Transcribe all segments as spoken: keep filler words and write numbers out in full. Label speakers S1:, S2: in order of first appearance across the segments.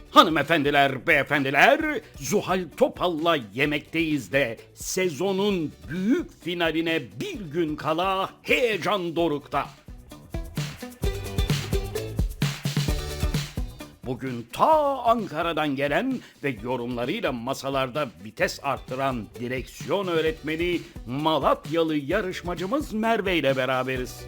S1: Hanımefendiler, beyefendiler, Zuhal Topal'la yemekteyiz de sezonun büyük finaline bir gün kala heyecan dorukta. Bugün ta Ankara'dan gelen ve yorumlarıyla masalarda vites arttıran direksiyon öğretmeni Malatyalı yarışmacımız Merve ile beraberiz.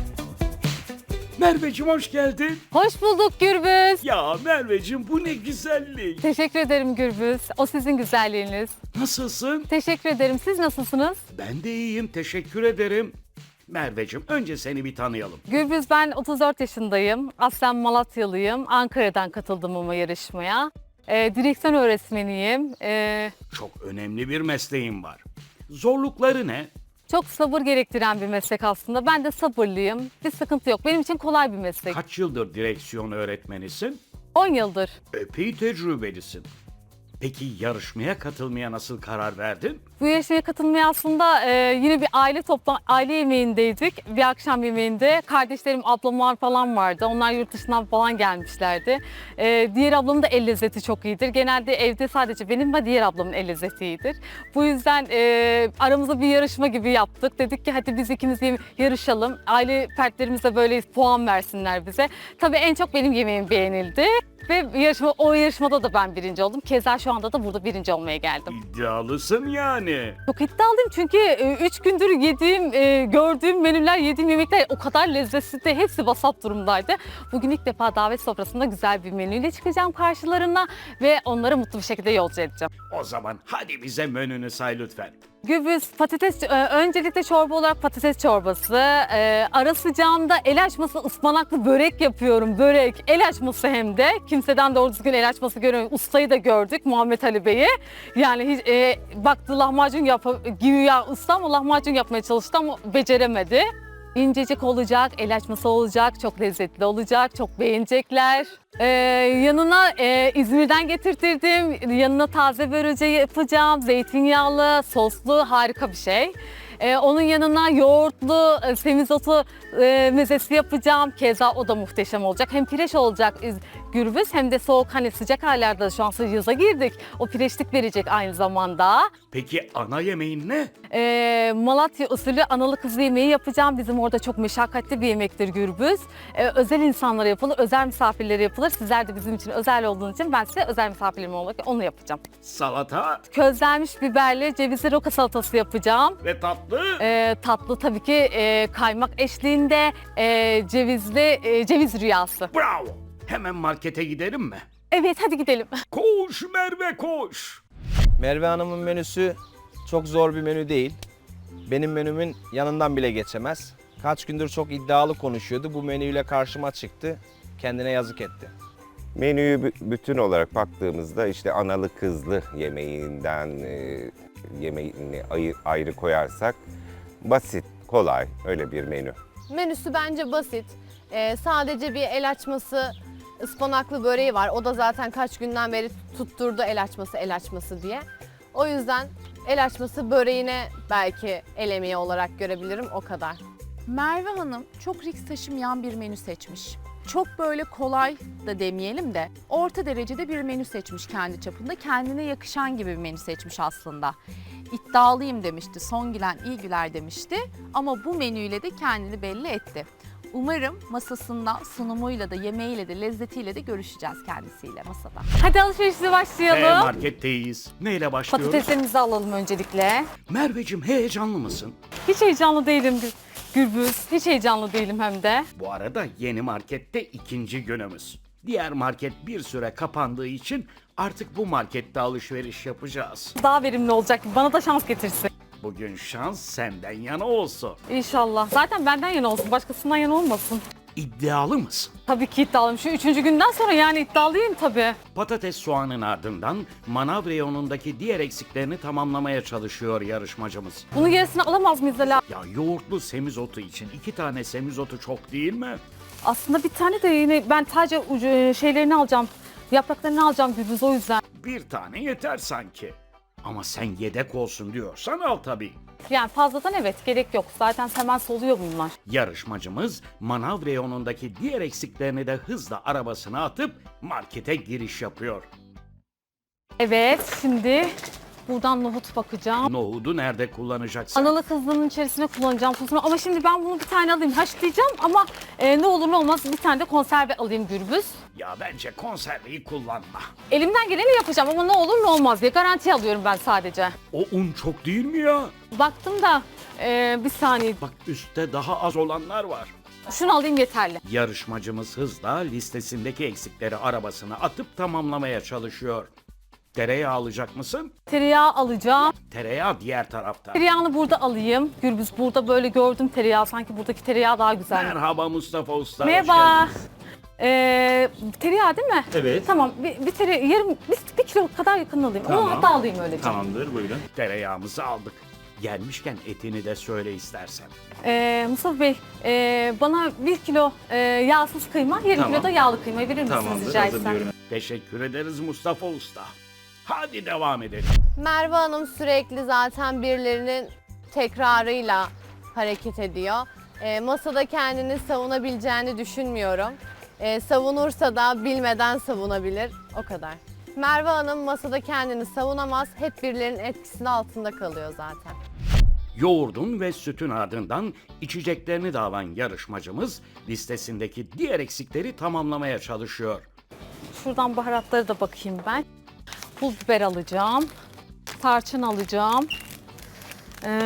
S1: Merveciğim hoş geldin.
S2: Hoş bulduk Gürbüz.
S1: Ya Merveciğim bu ne güzellik.
S2: Teşekkür ederim Gürbüz. O sizin güzelliğiniz.
S1: Nasılsın?
S2: Teşekkür ederim. Siz nasılsınız?
S1: Ben de iyiyim, teşekkür ederim. Merveciğim önce seni bir tanıyalım.
S2: Gürbüz, ben otuz dört yaşındayım. Aslen Malatyalıyım. Ankara'dan katıldım ama yarışmaya. Ee, direksiyon öğretmeniyim. Ee,
S1: Çok önemli bir mesleğin var. Zorlukları ne?
S2: çok sabır gerektiren bir meslek aslında. Ben de sabırlıyım. Bir sıkıntı yok. Benim için kolay bir meslek.
S1: Kaç yıldır direksiyon öğretmenisin?
S2: on yıldır.
S1: Epey tecrübelisin. Peki yarışmaya katılmaya nasıl karar verdin?
S2: Bu yarışmaya katılmaya aslında e, yine bir aile topla aile yemeğindeydik. Bir akşam yemeğinde kardeşlerim, ablamlar falan vardı. Onlar yurt dışından falan gelmişlerdi. E, diğer ablamın da el lezzeti çok iyidir. Genelde evde sadece benim ve diğer ablamın el lezzeti iyidir. Bu yüzden e, aramızda bir yarışma gibi yaptık. Dedik ki hadi biz ikimiz yeme- yarışalım. Aile fertlerimiz de böyle puan versinler bize. Tabii en çok benim yemeğim beğenildi. Ve yarışma, o yarışmada da ben birinci oldum. Keza şu anda da burada birinci olmaya geldim.
S1: İddialısın yani.
S2: Çok iddialıyım çünkü üç gündür yediğim, e, gördüğüm menüler, yediğim yemekler o kadar lezzetliydi. Hepsi vasat durumdaydı. Bugün ilk defa davet sofrasında güzel bir menüyle çıkacağım karşılarına ve onları mutlu bir şekilde yolcu edeceğim.
S1: O zaman hadi bize menünü say lütfen.
S2: Gürbüz, patates, e, öncelikle çorba olarak patates çorbası, e, ara sıcağında el açması ıspanaklı börek yapıyorum, börek, el açması hem de. Kimseden doğru düzgün el açması görüyorum. Ustayı da gördük, Muhammed Ali Bey'i. Yani hiç, e, baktı lahmacun yap, güya usta ama lahmacun yapmaya çalıştı ama beceremedi. İncecik olacak, el açması olacak, çok lezzetli olacak, çok beğenecekler. Ee, yanına e, İzmir'den getirtirdim, yanına taze börülce yapacağım, zeytinyağlı, soslu harika bir şey. Ee, onun yanına yoğurtlu, e, semizotu e, mezesi yapacağım. Keza o da muhteşem olacak. Hem pireş olacak Gürbüz hem de soğuk, hani sıcak aylarda şu an yaza girdik. O pireşlik verecek aynı zamanda.
S1: Peki ana yemeğin ne?
S2: Ee, Malatya usulü analı kızlı yemeği yapacağım. Bizim orada çok meşakkatli bir yemektir Gürbüz. Ee, özel insanlara yapılır, özel misafirlere yapılır. Sizler de bizim için özel olduğunuz için ben size özel misafirlerim olarak onu yapacağım.
S1: Salata
S2: Közlenmiş biberli cevizli roka salatası yapacağım.
S1: ve tatlı.
S2: Ee, tatlı tabii ki e, kaymak eşliğinde e, cevizli e, ceviz rüyası.
S1: Bravo. Hemen markete gidelim mi?
S2: Evet, hadi gidelim.
S1: Koş Merve koş.
S3: Merve Hanım'ın menüsü çok zor bir menü değil. Benim menümün yanından bile geçemez. Kaç gündür çok iddialı konuşuyordu. Bu menüyle karşıma çıktı. Kendine yazık etti.
S4: Menüyü bü- bütün olarak baktığımızda işte analı kızlı yemeğinden e, yemeğini ayı- ayrı koyarsak basit, kolay öyle bir menü.
S5: Menüsü bence basit. Ee, sadece bir el açması, ıspanaklı böreği var. O da zaten kaç günden beri tutturdu el açması, el açması diye. O yüzden el açması böreğine belki el emeği olarak görebilirim, o kadar.
S6: Merve Hanım çok risk taşımayan bir menü seçmiş. Çok böyle kolay da demeyelim de orta derecede bir menü seçmiş kendi çapında. Kendine yakışan gibi bir menü seçmiş aslında. İddialıyım demişti, son gülen iyi güler demişti ama bu menüyle de kendini belli etti. Umarım masasında sunumuyla da yemeğiyle de lezzetiyle de görüşeceğiz kendisiyle masada.
S2: Hadi alışverişe
S1: Ee,
S2: başlayalım.
S1: marketteyiz. Neyle başlıyoruz?
S2: Patateslerimizi alalım öncelikle.
S1: Merveciğim heyecanlı mısın?
S2: Hiç heyecanlı değilim Gür- Gürbüz. Hiç heyecanlı değilim hem de.
S1: Bu arada yeni markette ikinci günümüz. Diğer market bir süre kapandığı için artık bu markette alışveriş yapacağız.
S2: Daha verimli olacak. Bana da şans getirsin.
S1: Bugün şans senden yana olsun.
S2: İnşallah. Zaten benden yana olsun. Başkasından yana olmasın.
S1: İddialı mısın?
S2: Tabii ki iddialıyım. Şu üçüncü günden sonra yani iddialıyım tabii.
S1: Patates soğanın ardından manav reyonundaki diğer eksiklerini tamamlamaya çalışıyor yarışmacımız.
S2: Bunun gerisini alamaz mıyız Ela?
S1: Ya yoğurtlu semizotu için iki tane semizotu çok değil mi?
S2: Aslında bir tane de yine ben sadece ucu, şeylerini alacağım. Yapraklarını alacağım Gürbüz, o yüzden.
S1: Bir tane yeter sanki. Ama sen yedek olsun diyorsan al tabii.
S2: Yani fazladan evet gerek yok. Zaten hemen soluyor bunlar.
S1: Yarışmacımız manav reyonundaki diğer eksiklerini de hızla arabasına atıp markete giriş yapıyor.
S2: Evet şimdi buradan nohut bakacağım.
S1: Nohudu nerede kullanacaksın?
S2: Analı kızlığının içerisine kullanacağım tuzunu ama şimdi ben bunu bir tane alayım haşlayacağım ama e, ne olur ne olmaz bir tane de konserve alayım Gürbüz.
S1: Ya bence konserveyi kullanma.
S2: Elimden geleni yapacağım ama ne olur ne olmaz diye garanti alıyorum ben sadece.
S1: O un çok değil mi ya?
S2: Baktım da e, bir saniye
S1: Bak üstte daha az olanlar var.
S2: şunu alayım yeterli.
S1: Yarışmacımız hızla listesindeki eksikleri arabasına atıp tamamlamaya çalışıyor. Tereyağı alacak mısın?
S2: Tereyağı alacağım.
S1: Tereyağı diğer tarafta.
S2: Tereyağını burada alayım. Gürbüz burada böyle gördüm tereyağı. Sanki buradaki tereyağı daha güzel.
S1: Merhaba Mustafa Usta. hoş
S2: Merhaba.
S1: geldiniz.
S2: Ee, tereyağı değil mi?
S1: Evet.
S2: Tamam bir, bir tere yarım bir, bir kilo kadar yakın alayım. Onu
S1: Tamam.
S2: hatta alayım öylece.
S1: Tamamdır buyurun. Tereyağımızı aldık. Gelmişken etini de söyle istersen.
S2: Ee, Mustafa Bey e, bana bir kilo e, yağsız kıyma, yarım
S1: Tamam.
S2: kilo da yağlı kıyma verir misiniz rica etsem?
S1: Teşekkür ederiz Mustafa Usta. Hadi devam edelim.
S5: Merve Hanım sürekli zaten birilerinin tekrarıyla hareket ediyor. E, masada kendini savunabileceğini düşünmüyorum. E, savunursa da bilmeden savunabilir. O kadar. Merve Hanım masada kendini savunamaz. Hep birilerinin etkisinin altında kalıyor zaten.
S1: Yoğurdun ve sütün ardından içeceklerini de alan yarışmacımız listesindeki diğer eksikleri tamamlamaya çalışıyor.
S2: Şuradan baharatları da bakayım ben. Pul biber alacağım. Tarçın alacağım. Ee,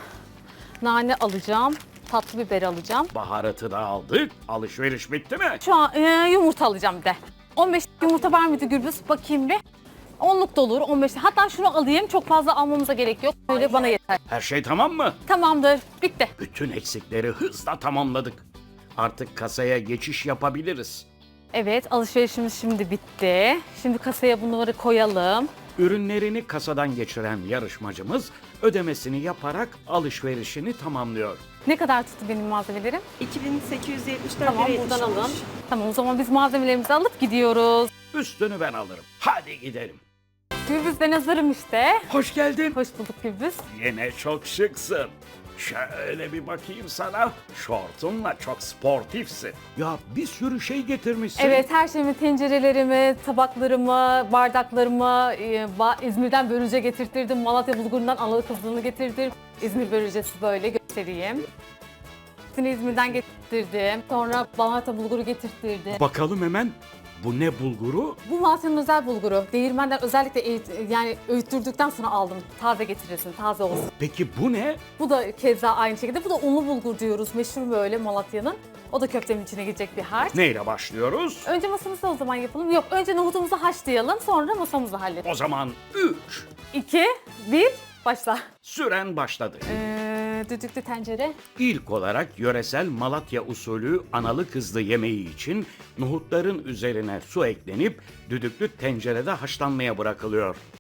S2: nane alacağım. Tatlı biber alacağım.
S1: Baharatı da aldık. Alışveriş bitti mi?
S2: Şu an e, yumurta alacağım bir de. on beş yumurta var mıydı Gürbüz? Bakayım bir. onluk da olur, on beş. Hatta şunu alayım. Çok fazla almamıza gerek yok. Böyle bana yeter.
S1: Her şey tamam mı?
S2: Tamamdır. Bitti.
S1: Bütün eksikleri hızla tamamladık. Artık kasaya geçiş yapabiliriz.
S2: Evet, alışverişimiz şimdi bitti. Şimdi kasaya bunları koyalım.
S1: Ürünlerini kasadan geçiren yarışmacımız ödemesini yaparak alışverişini tamamlıyor.
S2: Ne kadar tuttu benim malzemelerim?
S7: iki bin sekiz yüz yetmiş dört
S2: Tamam,
S7: liraya
S2: buradan
S7: yetmiş
S2: alın.
S7: olmuş.
S2: Tamam, o zaman biz malzemelerimizi alıp gidiyoruz.
S1: Üstünü ben alırım. Hadi gidelim.
S2: Gürbüz ben hazırım işte.
S1: Hoş geldin.
S2: Hoş bulduk Gürbüz.
S1: Yine çok şıksın. Şöyle bir bakayım sana. Şortunla çok sportifsin. Ya bir sürü şey getirmişsin.
S2: Evet, her şeyimi, tencerelerimi, tabaklarımı, bardaklarımı e, ba- İzmir'den börülce getirttirdim. Malatya bulgurundan analı kızlığını getirdim. İzmir börülcesi böyle göstereyim. Hepsini İzmir'den getirttirdim. Sonra Malatya bulguru getirttirdim.
S1: Bakalım hemen. Bu ne bulguru?
S2: Bu Malatya'nın özel bulguru. Değirmenden özellikle eğit- yani öğüttürdükten sonra aldım. Taze getirirsin, taze olsun.
S1: Peki bu ne?
S2: Bu da keza aynı şekilde. Bu da unlu bulgur diyoruz. Meşhur böyle Malatya'nın. O da köftenin içine girecek bir harç.
S1: Neyle başlıyoruz?
S2: Önce masamızı o zaman yapalım. Yok, önce nohutumuzu haşlayalım, sonra masamızı halledelim.
S1: O zaman üç.
S2: iki, bir, başla.
S1: Süren başladı.
S2: Ee, düdüklü tencere.
S1: İlk olarak yöresel Malatya usulü analı kızlı yemeği için nohutların üzerine su eklenip düdüklü tencerede haşlanmaya bırakılıyor.